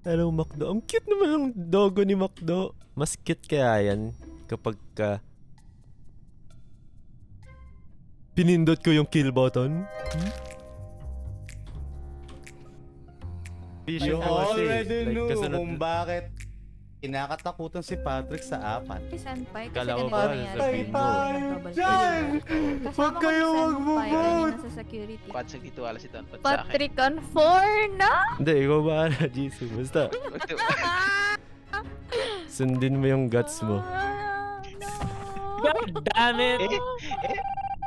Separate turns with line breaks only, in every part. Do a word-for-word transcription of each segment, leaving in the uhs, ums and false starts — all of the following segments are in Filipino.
Hello, Macdo. Ang cute naman ng dogo ni Macdo. Mas cute kaya yan kapag ka pinindot ko yung kill button. Hmm?
You already knew
kasunod-
kung bakit kinakatakutan si Patrick sa apat.
Si Senpai, kasi
Kala ko
ganito
ba,
nangyari.
sabihin mo.
Double
Dyan!
kill. Kasama
Huwag
ko
kayo
si Senpai,
magbo-vote!
kanina sa security.
Patsag dito wala si Don Pat sa akin.
Patrick on four na!
Hindi, ikaw ba na, Jisoo? Basta, sundin mo yung guts mo.
Ah, no.
God damn it!
Eh, eh,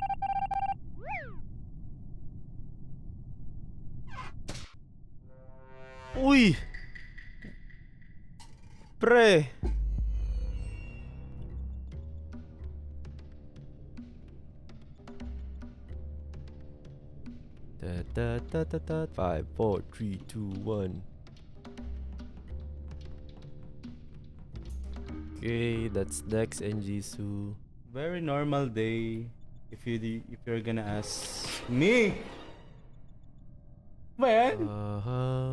Uy! Pre! Ta ta ta ta ta. Five, four, three, two, one. Okay, that's Dex and Jisoo.
Very normal day if you if you're gonna ask me. Man,
Uh-huh.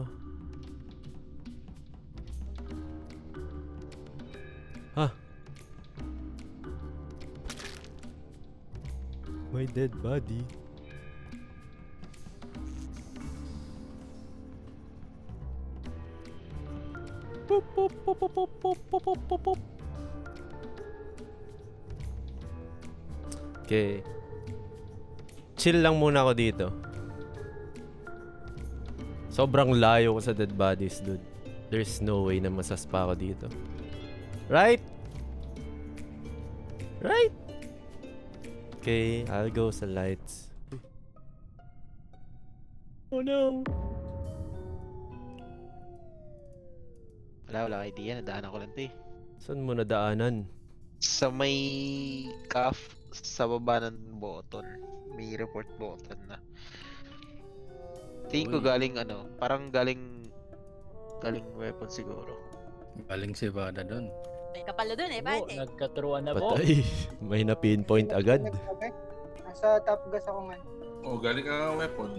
Huh. My dead body. Pop, pop, pop, pop, pop, pop, pop, pop, pop, pop. Okay. Chill lang muna ako dito. Sobrang layo ko sa dead bodies, dude. There's no way na masaspa ako dito. Right? Right? Okay, I'll go sa lights. Oh no.
wala, wala akong idea. Nadaanan ko lang ito eh.
Saan mo nadaanan?
Sa may cuff, sa baba ng button. May report button na. Tingin ko
Uy.
galing ano, parang galing galing weapon siguro.
Galing si Vada doon.
May kapalo dun eh,
Po,
Patrick.
nagkaturuan na po.
Patay. May na-pinpoint agad.
Nagsabi? Nasa top gas ako man.
Oh, galing ka ng weapon.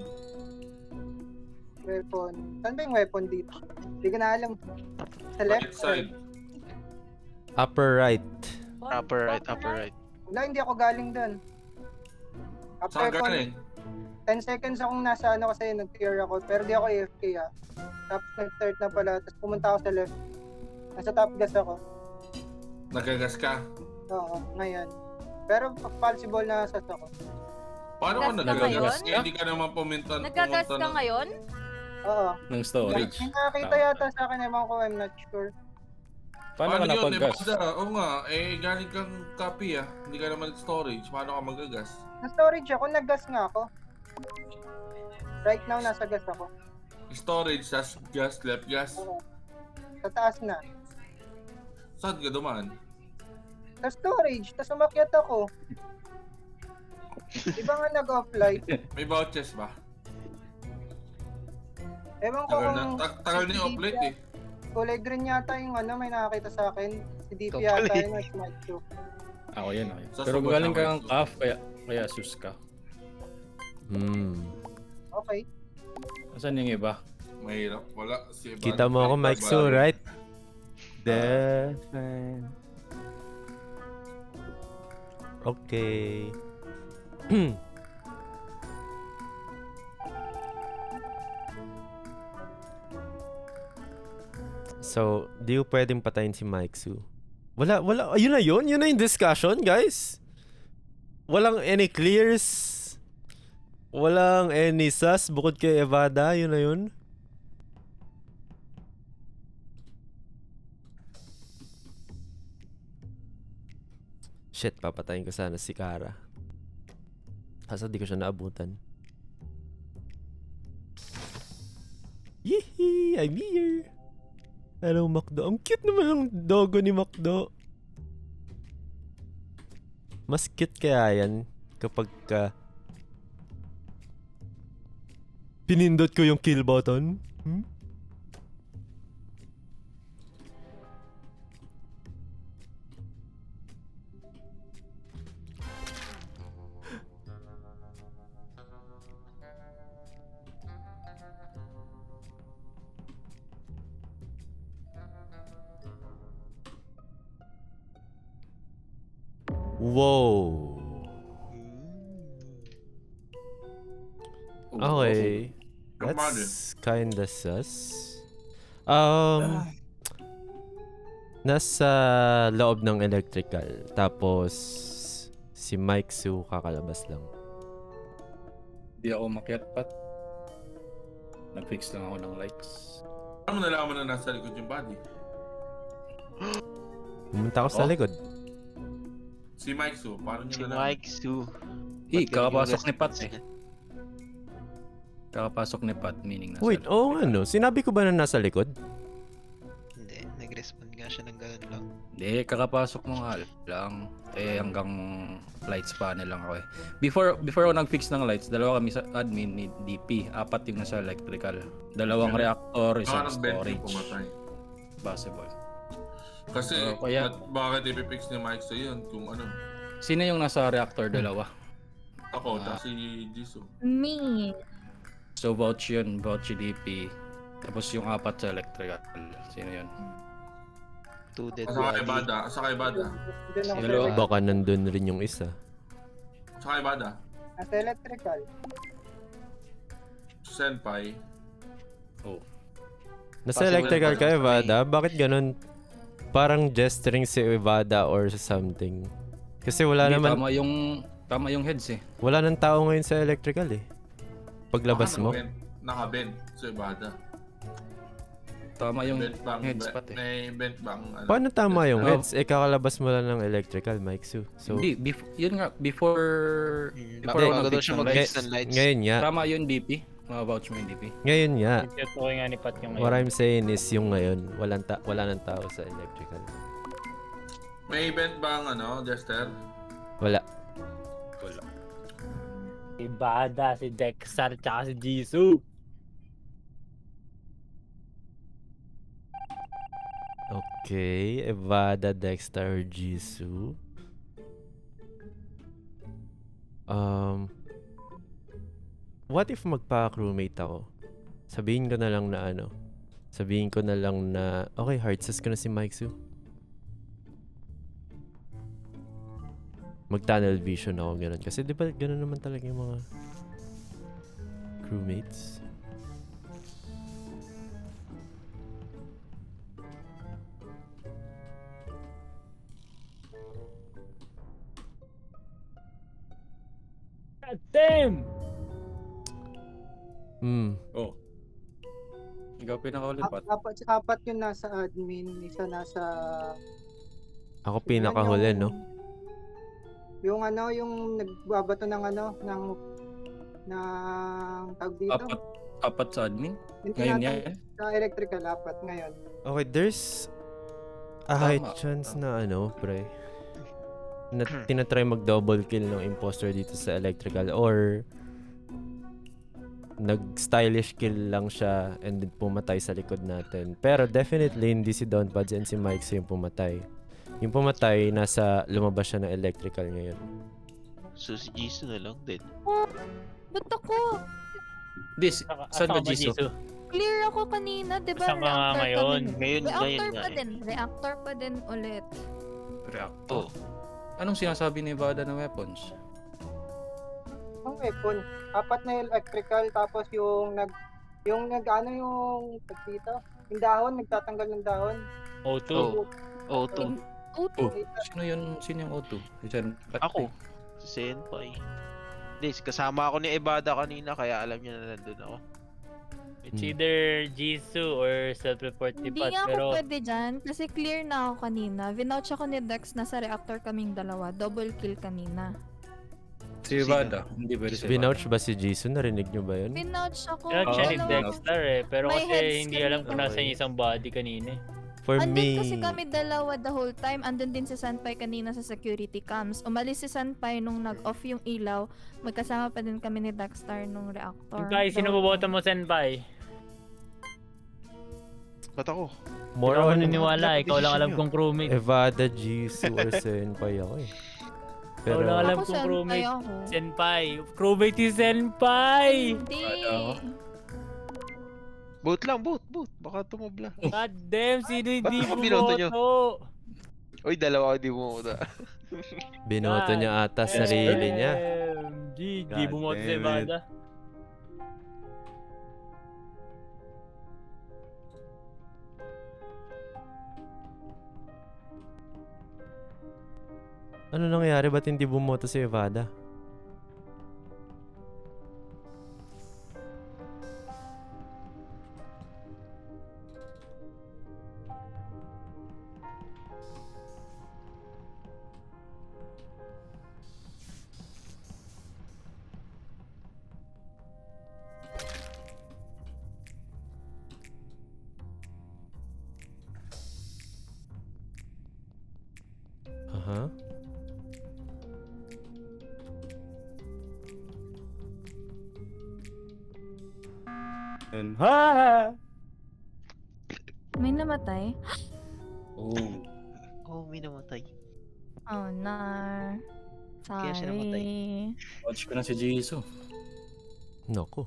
Weapon. Saan ba yung weapon dito? Hindi ko na alam. Sa left?
Right side.
Upper right.
Upper right, upper right.
Wala, hindi ako galing doon. After
Saan galing?
ten seconds akong nasa ano kasi nag-clear ako. Pero di ako A F K ah. Tapos nag-start na pala. Tapos pumunta ako sa left. Nasa top gas ako.
Nagagas ka.
Oo, ngayon. Pero possible na sa ako.
Paano ka
Gas ka
nagagas?
ngayon?
Eh, hindi ka naman pumunta.
Nagkagas ka
ng-
ngayon?
Oo.
Ng storage.
May nakakita yata sa akin. Ewan ko, I'm not sure.
Paano ka
yun?
napag-gas?
Eh, basta, oo nga. Eh, galing kang copy ah. Hindi ka naman storage. Paano ka magagas?
Na-storage ako. Nag-gas nga ako. Right now, nasa gas ako.
Storage, tas gas, left gas.
Oo. Sa taas na.
Saan ka dumaan?
Sa storage. Tapos umakyat ako. Di ba nga nag-offline?
May vouchers ba?
Ewan ko
Tagal na.
kung
ta- Tagal na yung offlate eh.
kulay green yata yung ano, may nakakita sa akin. Si D P
Ikaw pala
yata
eh.
yung smart shoe.
Ako yan, ako yan.
Sa
Pero
sabot
galing
na
ka
white
ng
suit.
calf, kaya, kaya sus ka.
Hmm.
Okay.
Asan yung iba?
Mahirap. Wala. Si Evan.
Kita mo ako,
May
Mike Su,
bali.
right? Defend. Okay. So, di ko pwedeng patayin si Mike Su. Wala, wala. Ayun na yun. Yun na yung discussion, guys. Walang any clears. Walang any sus bukod kay Evada. Yun na yun. Shit, papatayin ko sana si Kara. Kaso di ko siya naabutan. Yee! I'm here! Hello, Macdo. Ang cute naman ng dogo ni Macdo. Mas cute kaya yan kapag ka pinindot ko yung kill button. Hmm? Whoa. Okay. That's kinda sus. Um, nasa loob ng electrical. Tapos, si Mike Su kakalabas lang.
Di ako makiat pat. Nag-fix lang ako ng lights.
Paano mo nalaman na nasa likod yung body?
Pumunta ako sa
Oh.
likod.
Si Mike Su, paano
Si
niya nalaman?
Mike Su.
Eh,
Ba't
kakapasok
ganun
ni
yung
Pat
response
eh.
niya?
Kakapasok ni Pat, meaning nasa
Wait, oo nga no. Sinabi ko ba na nasa likod?
Hindi, nag-respond nga siya ng ganun lang.
Hindi, kakapasok mo nga lang. Eh, hanggang lights panel lang ako eh. Before, before ako nag-fix ng lights, dalawa kami sa admin ni D P. Apat yung nasa electrical. Dalawang
Okay.
reactor,
Baka
isang
nag-vent yung
storage.
pumatay.
Possible.
Kasi,
Oo, kaya-
at bakit ipipix ni Mike Su yun kung ano?
Sino yung nasa reactor? Dalawa.
Ako,
Ah.
tapos si Jisoo.
Me.
So, vouch yun. Vouch si D P. Tapos yung apat sa electrical. Sino yun?
Two dead
Asa kay
body.
Bada, asa kay Bada.
Diyan ako
Hello.
sa
Baka nandun rin yung isa.
Asa kay Bada.
nasa electrical.
Senpai.
Oh.
Nasa
Possible
electrical
na
ka,
pala.
Evada? Bakit ganun? Parang gesturing si Evada or something. Kasi wala
Hindi,
naman,
Tama yung, tama yung heads eh.
wala nang tao ngayon sa electrical eh. Paglabas
Baka
mo.
naka-bend. Naka-bend. So, Bada.
Tama yung
Bent bang,
heads
be-
pat eh.
may bent bang, ano?
Paano tama yung
Oh.
heads? Eh, kakalabas mo lang ng electrical, Mike Su. So,
Hindi, bef- yun nga, before...
Hmm,
before
bago-
ako
bago daw
nag-fix
siya
ng
mag-fix
lights.
ng lights.
ngayon nga.
Tama yun D P. Ma-vouch mo yung D P.
Ngayon nga.
Tutukoy nga ni Pat yung
What
ngayon.
I'm saying is yung ngayon, walang ta wala nang tao sa electrical.
May bent bang, ano, Jester?
Wala.
Wala.
Si Bada, si Dexter, tsaka si Jisoo.
Okay, Evada, Dexter, Jisoo. Um, what if magpa-crewmate ako? Sabihin ko na lang na ano. Sabihin ko na lang na, okay, hard sus ko na si Mike Su. Mag-tunnel vision ako, ganun. Kasi di ba ganun naman talaga yung mga crewmates?
God damn!
Hmm.
Oh. Ikaw pinakaulit Pat.
Ap- apat, apat yun nasa admin, isa nasa...
Ako pinakahuli,
Yan
no?
Yung ano, yung nagbabato ng ano, ng... ng tawag dito.
Apat, apat sa admin?
Yung
Ngayon
tinatawag
yan?
Sa electrical, apat ngayon.
Okay, there's a high
Tama.
chance na ano, pre. Na tinatry mag-double kill ng imposter dito sa electrical or nag-stylish kill lang siya and then pumatay sa likod natin. Pero definitely hindi si Don Pads and si Mike Su yung pumatay. Yung pumatay, nasa lumabas siya ng electrical ngayon.
So, si Jisoo na lang din.
Ba't ako?
This,
Asa-
saan
asa
ka
ba,
Jisoo?
Clear ako kanina, di ba?
Saan ka nga
Reactor
ngayon?
pa din.
Ngayon,
Reactor
ngayon nga
pa
eh.
din. Reactor pa din ulit.
Reactor.
Oh.
Anong sinasabi ni Vada na weapons?
Ang weapon, apat na electrical, tapos yung nag... Yung nag ano yung... tag dito? Yung dahon, nagtatanggal ng dahon.
O two.
Oh. Oh, to.
Oh,
Oh, sino yun? Sino yung O two? Diyan, Pat
Ako.
eh.
Si Senpai. Hindi, kasama ako ni Evada kanina, kaya alam niya na nandun ako.
It's either Jisoo or self-report ni
Hindi
Pat.
nga ako
Pero
pwede dyan kasi clear na ako kanina. Vinouch ako ni Dex na sa reactor kaming dalawa. Double kill kanina.
Si Vada. Hindi pwede si Vada.
Binouch ba si Jisoo? Narinig nyo ba yun?
Vinouch ako.
pinag siya ni
Oh.
dalawa.
Dexter eh. Pero
May
kasi
heads
hindi
kami
alam kung nasa
Okay.
yung isang body kanina eh.
For
Andun
me,
kasi kami dalawa the whole time. Andun din si Senpai kanina sa security cams. Umalis si Senpai nung nag-off yung ilaw. Magkasama pa din kami ni Dexter nung reactor.
Senpai, sino boboto mo, Senpai?
Ba't ako?
more
Hindi ako
on
naniniwala. Ikaw lang alam
Decision
kong crewmate.
Evada, Jisoo, or Senpai ako eh.
Ikaw lang alam
Ako
kong
Senpai
crewmate.
ako.
Senpai. Crewmate ni Senpai!
Hindi.
Ano?
Boot lang, boot, boot. Baka tumubla.
God damn, sino hindi
Ba't
mo
binoto nyo?
boto?
Uy, dalawa ako di mo.
Binoto niya ata sarili niya.
M G, di
God
bumoto si
damn it.
Evada.
Ano nangyari? Ba't hindi bumoto si Evada? Aha.
And, ha!
May namatay?
Oh.
Oh, may namatay.
Oh, no.
Kaya siya namatay.
Sorry.
Watch ko na si Jisoo.
Nako.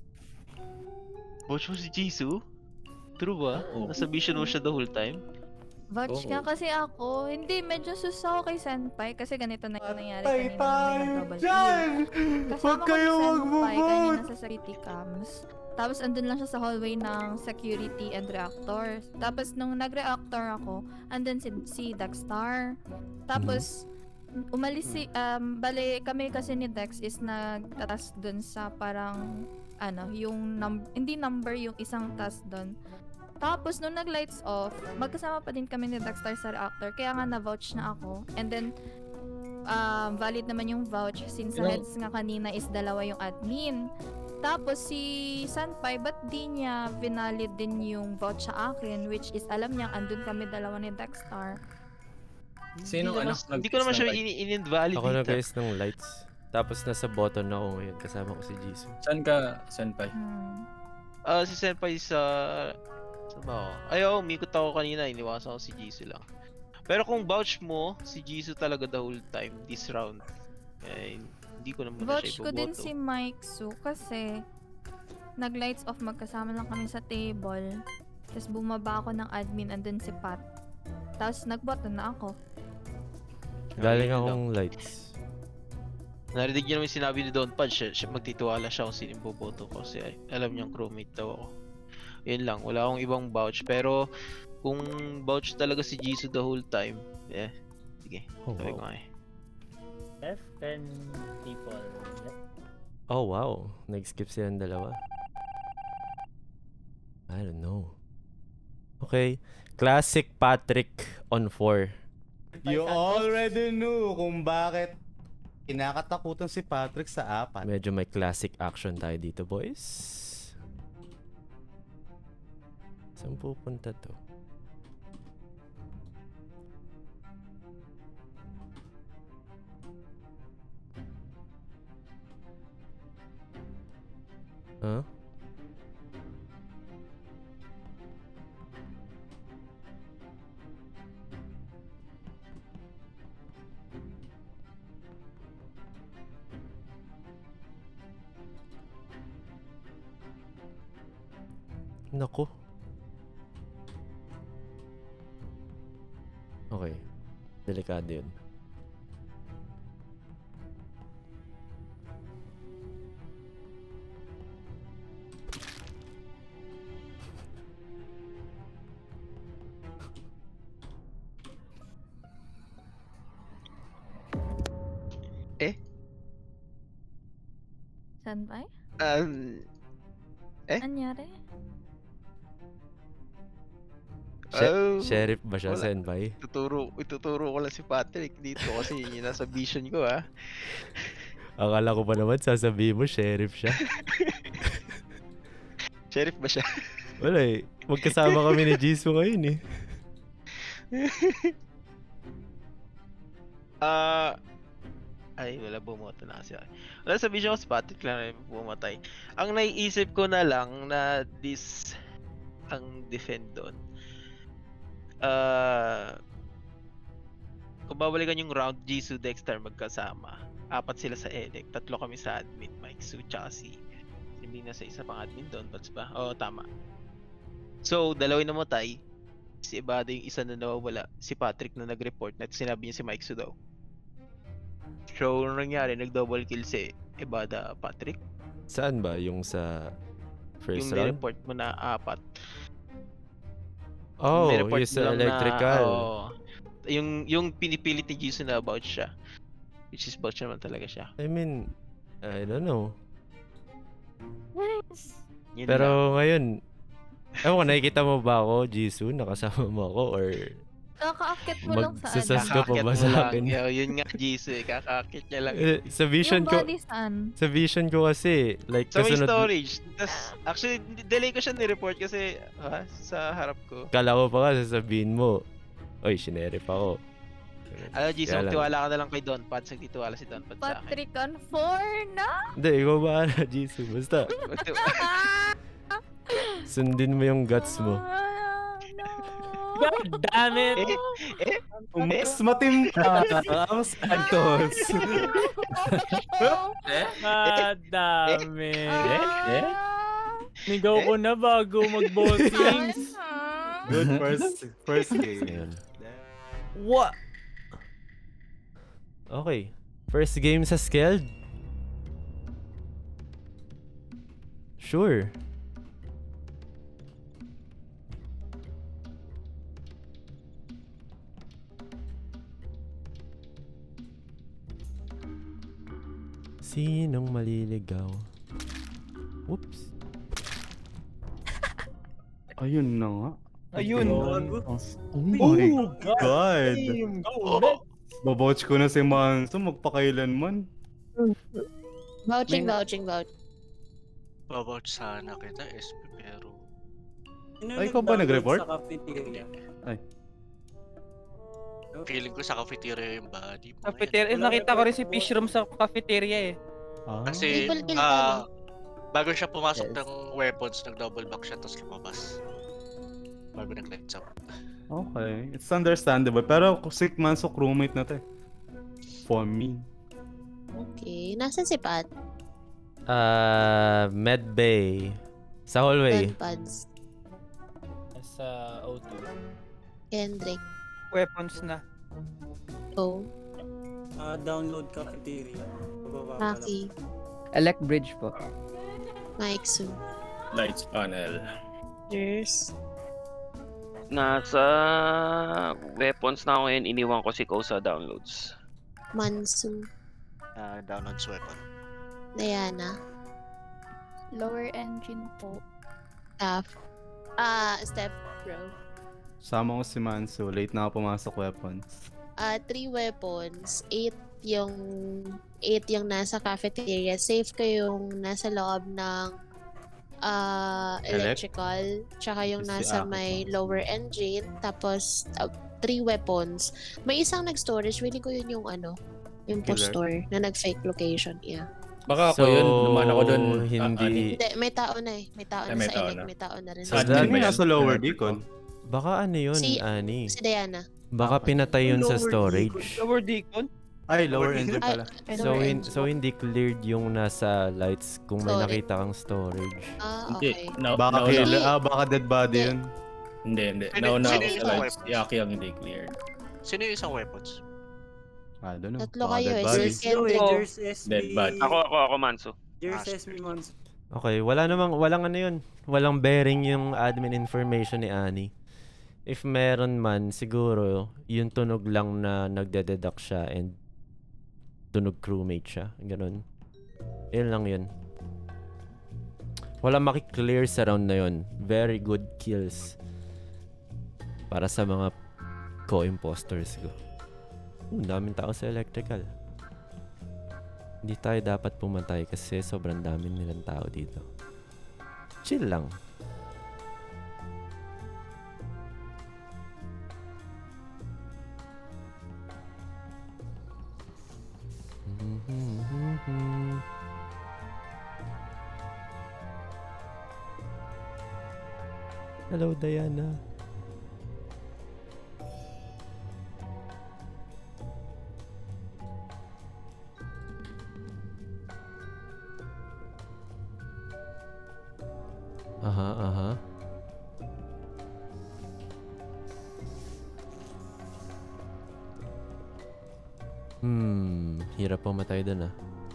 Watch mo si Jisoo? True ba?
Oo.
Nasa vision mo siya the whole time?
Vouch
Oo.
ka kasi ako. Hindi, medyo sus ako kay Senpai kasi ganito na yung nangyari
Patay
kanina nung may
tayo
nag-double
dyan!
kill. Kasama
Huwag
ko
kayo
si Senpai
magbo-vote!
kanina sa security cams. Tapos andun lang siya sa hallway ng security and reactor. Tapos nung nag-reactor ako, andun si, si Dexstar. Tapos umalis si, um, bale kami kasi ni Dex is nagtatas dun sa parang, ano, yung, num- hindi number, yung isang task dun. Tapos, nung nag-lights off, magkasama pa din kami ni Dexter sa reactor. Kaya nga na-vouch na ako. And then, um, valid naman yung vouch since sa
Ilang-
heads nga kanina is dalawa yung admin. Tapos, si Sanpai, ba't di niya vinalid din yung vouch sa akin? Which is, alam niya, andun kami dalawa ni Dexter.
Sino
Hindi
ano?
naman- Hindi ko naman siya in- in-invalidate.
Ako
ah.
nag-guys ng lights. Tapos nasa button ako ngayon. Kasama ko si Jisoo.
Saan ka, Senpai?
Hmm.
Ah, si Senpai sa... Saan ba ako? Ayaw, umikot ako kanina. Iniwasan ko si Jisoo lang. Pero kung vouch mo, si Jisoo talaga the whole time, this round. Eh, hindi ko naman na
Vouch
siya
ko din
iboboto.
si Mike Su kasi nag-lights off, magkasama lang kami sa table. Tapos bumaba ako ng admin, andun si Pat. Tapos nag-button na ako.
Galing
Ayun
akong lights.
Narinig niyo naman yung sinabi ni Don Pad, siya, siya magtitiwala siya kung sino yung boboto ko kasi ay- alam niyang crewmate daw ako. Yun lang, wala akong ibang vouch. Pero kung vouch talaga si Jisoo the whole time, eh, sige,
Oh,
sabi ko
wow.
nga eh.
F ten people.
Oh, wow. Nag-skip silang dalawa. I don't know. Okay. Classic Patrick on four.
You already knew kung bakit kinakatakutan si Patrick sa apat.
Medyo may classic action tayo dito, boys. Saan pupunta to? Huh? Naku. Okay. Delikado yun.
Senpai?
Um, Eh?
Anyari?
She-
oh,
Sheriff ba siya,
wala.
Senpai?
Ituturo, ituturo ko lang si Patrick dito kasi yun yung nasa vision ko ah.
Akala ko pa naman sasabihin mo, sheriff siya.
Sheriff ba siya?
Wala eh. Magkasama kami ni Jisoo ngayon eh.
Ah, ay wala, bumoto na kasi. Wala, sa vision ko si Patrick lang na bumatay. Ang naiisip ko na lang na this ang defend doon. Ah, kung babalikan yung round, Jisoo, Dexter magkasama. Apat sila sa elect, tatlo kami sa admin, Mike, Su, tsaka si hindi na sa isa pang admin doon, Bats ba? Oo, tama. So, dalawa yung namatay. Si Ebada yung isa na nawawala. Si Patrick na nag-report na sinabi niya si Mike Su daw. So, ano nangyari? Nag-double kill si Ebada Patrick.
Saan ba? Yung sa first
Yung
round?
report mo na apat.
Oh,
Nireport
yung
mo
sa
lang na,
electrical.
oo. yung, yung pinipilit ni Jason na about siya. Which is vouch naman talaga siya.
I mean, I don't know.
Nice.
Yun lang.
Pero ngayon, ewan ko, nakikita mo ba ako, Jisoo? Nakasama mo ako? Or
Kakaakit mo lang sa
Magsasas
ano.
ka pa
Kakakit
ba
mo
sa
lang.
akin?
Yo, yun nga, Jason. Kakakit niya lang.
Eh, sa vision
Yung
ko,
body saan?
sa vision ko kasi, like,
Sa may
kasunod,
storage. Tas, actually, delay ko siya ni-report kasi ha, sa harap ko.
kala ko pa nga sasabihin mo, oy, sinerip ako.
Alam, Jason,
Kaya lang.
magtiwala ka na lang kay Don Pads. Nagtitiwala si Don Pads sa akin.
Patrick on four na?
Hindi, ikaw ba na, Jisoo? Basta,
Magti-
sundin mo yung guts mo.
Ah, no.
God damn it!
eh, eh,
Mas matimpa. Mas Santos.
God damn it!
Eh? Eh?
Nigaw ko na bago mag-bossings.
Good first first game.
Ayan. What? Okay. First game sa Skeld? Sure. Sinong maliligaw? Whoops.
Ayun na nga.
Ayun.
Oh my God. Babouch ko na si Manso magpakailanman.
Vouching,
May-
vouching, vouching.
Babouch sana kita, S P, pero...
Ay, ikaw ba nag-report?
Sa cafeteria.
Feeling ko sa cafeteria yung body mo.
Cafeteria, eh, nakita ko rin si Fish Room sa cafeteria eh.
Ah.
Kasi,
Triple kill
ah,
ka,
bago siya pumasok
Yes.
ng weapons, nag-double back siya, tapos lumabas. Bago nag-lights up.
Okay, it's understandable. Pero si Manso crewmate na to eh. For me.
Okay. Nasaan si Pat?
Ah, Med Bay. Sa hallway.
Don Pads.
Sa O two.
Kendrick.
Weapons na.
Oh.
Ah, download cafeteria. Bababa ka lang.
Maki.
Elect Bridge po.
Mike Su.
Lights panel.
Yes.
Nasa weapons na ako ngayon, iniwan ko si Ko sa downloads.
Mansu.
Uh, downloads weapon.
Diana.
Lower engine po.
Staff. Ah, Steph Bro.
Sama ko si Manso. Late na ako pumasok weapons.
Ah, three weapons. Eight yung... Eight yung nasa cafeteria. Safe ko yung nasa loob ng... ah
Elect?
electrical. Tsaka yung
Si
nasa
Ako.
may lower engine. Tapos, ah, three weapons. May isang nag-storage. Feeling ko yun yung ano, yung
Killer?
postor na nag-fake location. Yeah.
Baka ako yun, naman ako dun. ah,
hindi...
Hindi, may tao na eh. May tao
Ay,
na
may
sa
tao
elect.
na.
May tao na rin.
So
sa
that-
Sino
Admin ba yan?
nasa lower decon?
Baka ano yun,
Si-
Ani?
Si Diana.
Baka pinatay yun sa storage.
Lower Deacon?
Ay, lower engine
Ay,
pala.
So,
lower
hin-
engine.
so hindi cleared yung nasa lights kung may
Storage.
nakita kang storage.
Ah,
Hindi.
okay.
Na,
Baka
nauna-
killer, ah, baka dead body
Hindi.
yun.
Hindi, hindi.
Sino-
Nauna
sino
ako
yung
sa lights.
weapons?
Yaki ang hindi cleared.
Sino yung isang weapons?
I don't know.
Tatlo
Baka
kayo
dead
eh.
body.
Si Kendrick.
Oh.
There's S B.
Dead body.
Ako, ako, ako, Manso.
There's
Ah,
S B Mons.
Okay, wala namang, walang ano yun. Walang bearing yung admin information ni Ani. If meron man, siguro, yung tunog lang na nagde-deduct siya and tunog crewmate siya. Ganon. Yun lang yun. Wala makiklear sa round na yun. Very good kills. Para sa mga co-imposters ko. Uh, daming tao sa electrical. Hindi tayo dapat pumatay kasi sobrang dami nilang tao dito. Chill lang. Hello, Diana. Aha, aha. Hmm, hirap pumatay dun ah.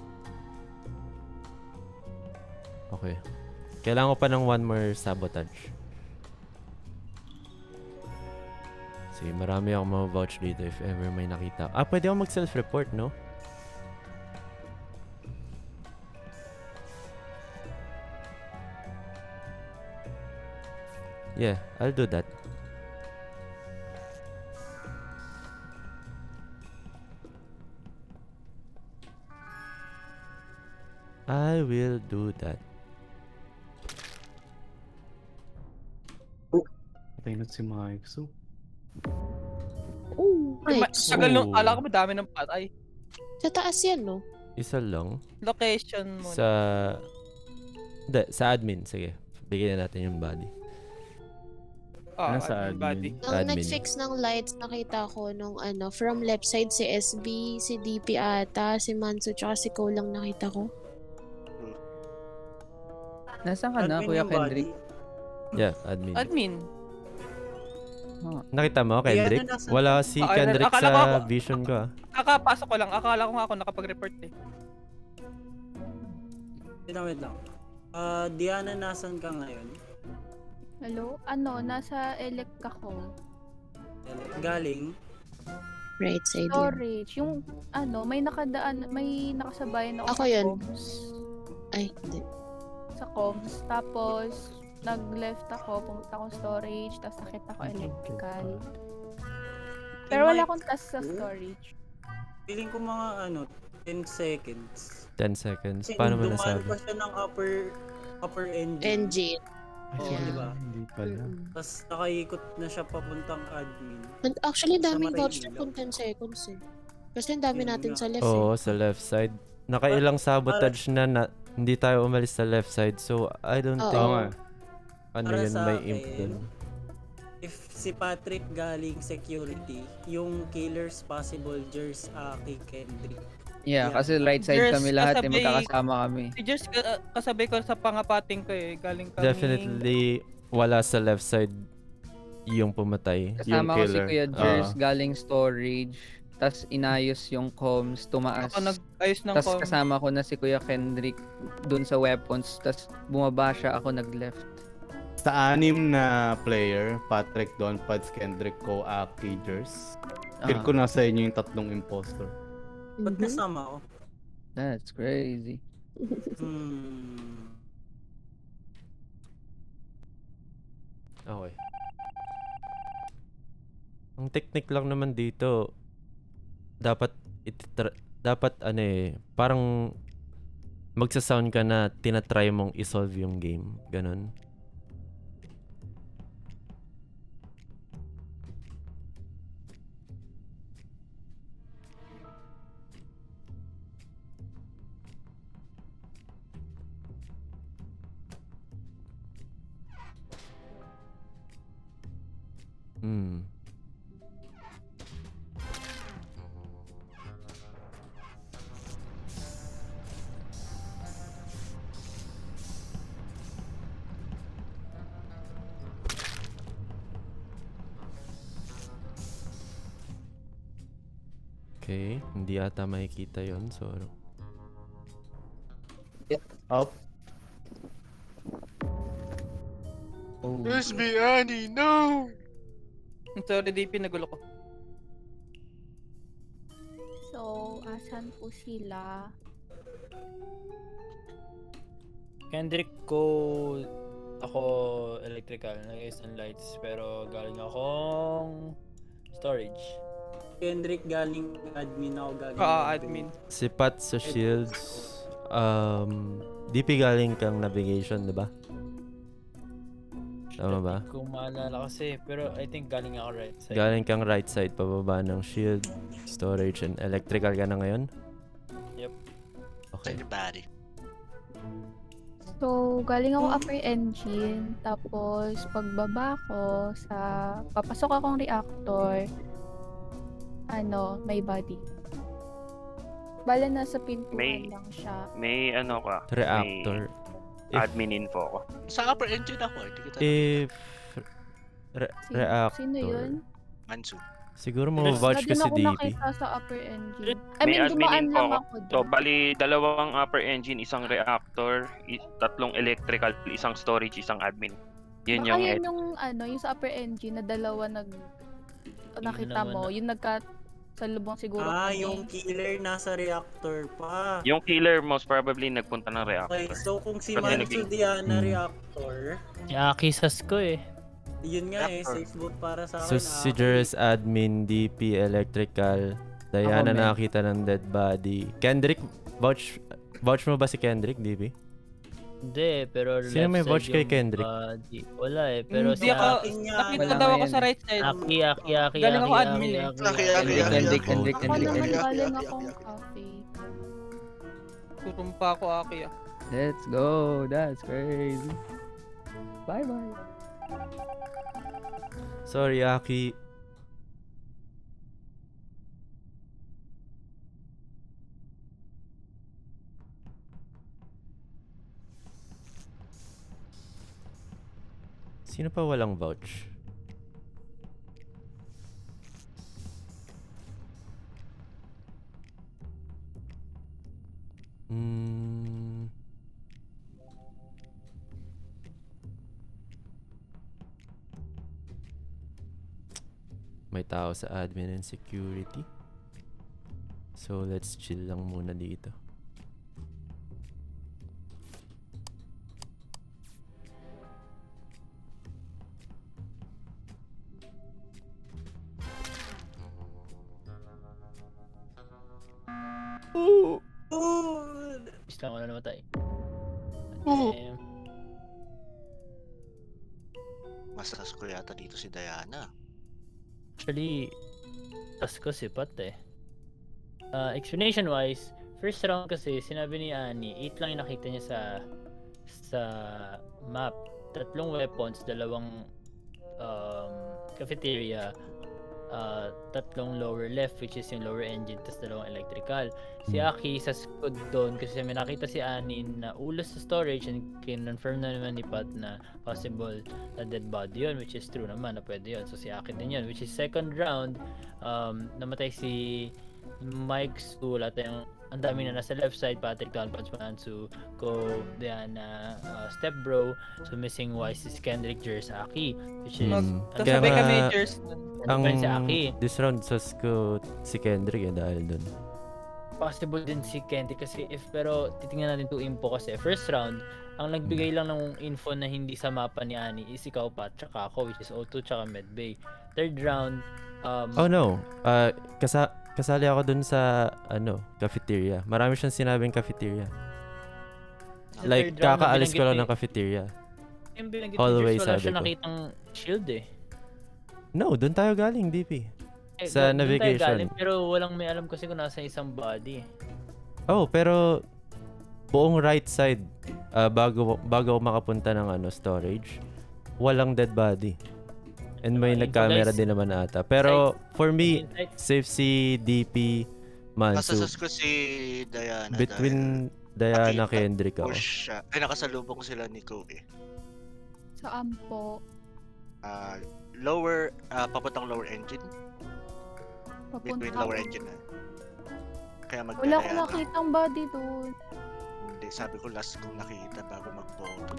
Okay. Kailangan ko pa ng one more sabotage. Sige, marami akong ma-vouch dito if ever may nakita. Ah, pwede ako mag-self-report, no? Yeah, I'll do that. I will do that.
Patay na si Mike. So,
Oh,
Ma-
nice.
Tagal nung,
Oh.
kala ko madami ng patay.
Sa taas yan, no?
Isa lang.
Location mo.
Sa... Hindi, sa admin. Sige. Bigyan na natin yung body.
Ah,
Nasa
admin
admin.
body.
Nung
Admin.
nag-fix ng lights, nakita ko nung ano, from left side si S B, si D P ata, si Manso, tsaka si Cole lang nakita ko.
Nasaan ka na,
Admin
Kuya
yung body.
Kendrick?
Yeah, admin.
Admin.
Nakita mo, Kendrick?
Diana, nasa-
Wala si
Ah,
Kendrick
akala
sa
ko ako-
vision ko ah.
Kakapasok ko lang. Akala ko nga ako nakapag-report eh.
Wait lang, wait lang. Ah, Diana, nasan ka ngayon?
Hello? Ano, nasa elect ako.
Galing?
Right side yun.
Storage. Yung, ano, may nakadaan, may nakasabayan ako,
Ako
sa
yun.
comms.
Ay, hindi.
Sa comms. Tapos, nag-left ako, pumunta akong storage, tapos nakita ko electrical. Pero wala akong task sa storage.
Feeling ko mga ano, ten seconds.
ten seconds.
Kasi
Paano mo
dumaan
nasabi?
pa siya ng upper upper engine.
Engine.
Oo,
Yeah.
di ba?
hindi pala.
Mm-mm.
Tapos nakaikot na siya papuntang admin.
And actually,
Sa
daming
Marillo.
vouch na kung ten seconds eh. Kasi ang dami
Yun
natin
nga.
sa left
Oo,
eh.
sa left side. Nakailang sabotage na, na hindi tayo umalis sa left side. So, I don't
Oo.
think
Oo nga.
ano
Para
yun
sa
may
akin,
imp dun.
If si Patrick galing security, yung killers possible Jers, Aki, Kendrick.
Yeah,
Yeah.
kasi right side
Yes,
kami lahat, eh,
kasabay-
magkakasama kami.
Si Jers, ka- uh, kasabay ko sa pangapating ko eh. Galing kami.
Definitely, wala sa left side yung pumatay. Yung
Kasama ko si
killer.
Kuya Jers,
Oo.
galing storage, tas inayos yung comms, tumaas.
Ako nag-ayos ng
Tas
com.
kasama ko na si Kuya Kendrick dun sa weapons, tas bumaba siya, ako nag-left.
Sa anim na player, Patrick, Don Pads, Kendrick, Ko, Aki, Jers. Feel
Ah,
ko nasa inyo yung tatlong impostor.
Ba't
Mhm.
nasama ko?
That's crazy.
Hmm.
Okay. Ang technique lang naman dito, dapat ititra- dapat ano eh, parang magsa-sound ka na tinatry mong isolve yung game. Ganon. Hmm. Okay, hindi ata makikita yon so
Up.
Oh.
Where's me, Annie? No!
Sorry, D P, nagulo ko.
So, asan po sila?
Kendrick ko ako electrical, nag-ayos ng lights, pero galing akong storage.
Kendrick galing admin, ako galing
Ah, admin.
si Pat sa shields, um, D P galing kang navigation, di ba? Tama ba?
Hindi ko maalala kasi, pero I think galing ako right side.
Galing kang right side, pababa ng shield, storage, and electrical ka na ngayon?
Yep.
Okay.
Send your body.
So, galing ako upper engine, tapos pagbaba ko sa, papasok akong reactor, ano, may body. Bala nasa pintuan
May-
lang siya.
May ano ka?
Reactor.
May admin info ko.
Sa upper engine ako, hindi kita
If... Re-
Sino,
reactor.
sino yun?
Mansu.
Siguro
Wala
ma-vouch
din
ko si
ako
D P.
nakita sa upper engine. I
May
mean,
admin
dumaan
info
lang
ako.
ako
So,
doon.
bali, dalawang upper engine, isang reactor, i- tatlong electrical, isang storage, isang admin. Yun
Baka
yung
yun
ed-
yung ano, yung sa upper engine na dalawa nag nakita
naman
mo,
na-
yung nagka salubong siguro.
Ah,
kami.
yung killer nasa reactor pa.
Yung killer most probably nagpunta ng reactor.
Okay, so kung si
Kasi
Mansu
naging-
Diana
Hmm.
reactor,
Si Aki sas ko eh.
yun nga eh,
Reactor.
safe vote para sa
So
akin.
si
Aki.
Jers, admin, D P, electrical, Diana
Ako, men.
nakita ng dead body. Kendrick, vouch vouch mo ba si Kendrick, D P?
Hindi, pero
Sino
left
may
side
vouch kay
yung
Kendrick?
body. Wala eh, pero
Hindi
si
ako,
Aki,
nakita
Wala
daw
nga
ako
yan
sa
eh.
right side.
Aki, Aki, Aki,
Galing ako
Aki,
admin
Aki,
eh.
Aki,
Aki,
Aki,
Aki,
Aki.
Aki,
Kendrick,
Aki.
Kendrick,
Ako
Kendrick,
naman
Kendrick.
galing
Aki,
akong
Aki, Aki.
cafe.
Tutumpa ako, Aki ah.
Let's go. That's crazy. Bye bye.
Sorry, Aki. Sino pa walang vouch? Hmm. May tao sa admin and security. So let's chill lang muna dito.
Bis lang ako na namatay.
Oo.
Eh,
Masas ko yata dito si Diana.
Actually, tas ko si Pat eh. Uh, explanation wise, first round kasi sinabi ni Ani, eight lang yung nakita niya sa sa map. Tatlong weapons, dalawang um, cafeteria, uh, tatlong lower left which is yung lower engine, tas dalawang electrical. Si Aki sa squad doon kasi may nakita si Ani na ulos sa storage and kinonfirm na naman ni Pat na possible na dead body yun, which is true naman na pwede yun. So si Aki din yun, which is second round, um, namatay si Mike Su, lahat yung ang dami na nasa left side, Patrick, Don, Patsman, Su, Ko, Diana, uh, Step Bro. So missing wise is Kendrick, Jers, Aki, which is
Hmm.
ang
Kaya
Sabay
nga,
kami, Jers.
ang
si Aki.
this round sas ko si Kendrick eh dahil dun.
Possible din si Kendrick kasi if pero titingnan natin to info kasi first round ang nagbigay lang ng info na hindi sa mapa ni Ani is ikaw pa tsaka ako which is O two tsaka Medbay. Third round um
Oh no. Uh, kasa kasali ako dun sa ano, cafeteria. Marami siyang sinabing cafeteria.
sa
Like
third round na
kakaalis ko lang
binanggit
ng cafeteria.
ni- yung binanggit ni
Hallway
Jers, wala
sabi
siya
ko.
nakitang shield eh.
No, dun tayo galing, D P.
Eh,
Sa
doon tayo
navigation.
galing, pero walang may alam kasi kung nasa isang body.
Oh, pero buong right side uh, bago bago ako makapunta ng ano storage, walang dead body. And may
Ah, info,
nag-camera
guys.
din naman ata. Pero for me,
Insight.
safe si D P Mansu.
Masasas ko si Diana
Between Diana
nakita-
Kendrick ako.
push siya. Ay, nakasalubong sila ni Kobe.
Saan po?
Ah, lower, ah, papuntang lower engine. Between
Papunta.
lower engine na. Kaya mag
Wala akong nakitang body doon.
Hindi, sabi ko last kong nakita bago mag-vote.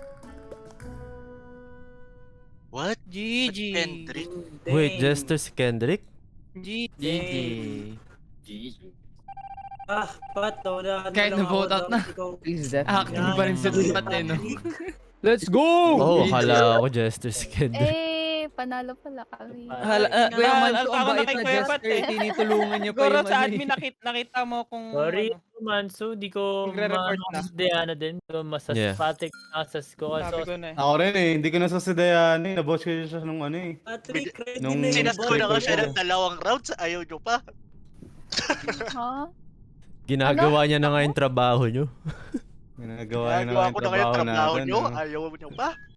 What?
G G.
Kendrick?
Wait, Jester si Kendrick?
G G.
G G. Ah, Pat, wala
Kahit na-vote out na. Please, definitely.
Active pa rin sa
Pat eh, no? Let's go!
Oh, akala ko Jester si Kendrick.
Eh, panalo pala kami.
Hala, uh,
Kuya
na,
Manso,
ako
ang bait
nakay
na
Kuya
Jester,
Pat eh.
tinitulungan niyo pa
Siguro
yung
sa
ano
admin
eh.
nakita, nakita mo kung
Sorry,
ano.
Manso, di ko
Magre-report
maano
na.
si Diana din. Di ko masas
Yeah.
Patrick, masas ko.
Sabi
So,
ko na eh.
Ako rin eh, hindi ko nasa si Diana eh. Nabosh ko siya nung ano eh.
Patrick, ready
Nung-
na yung
Sinas ko na
body
nga siya
mo.
ng dalawang rounds, ayaw nyo pa.
Ha?
Ginagawa niya na nga yung trabaho niyo.
Ginagawa niya na
Nagawa
yung
ko na kayo
trabaho
trabaho
natin.
nyo,
no?
ayaw nyo pa.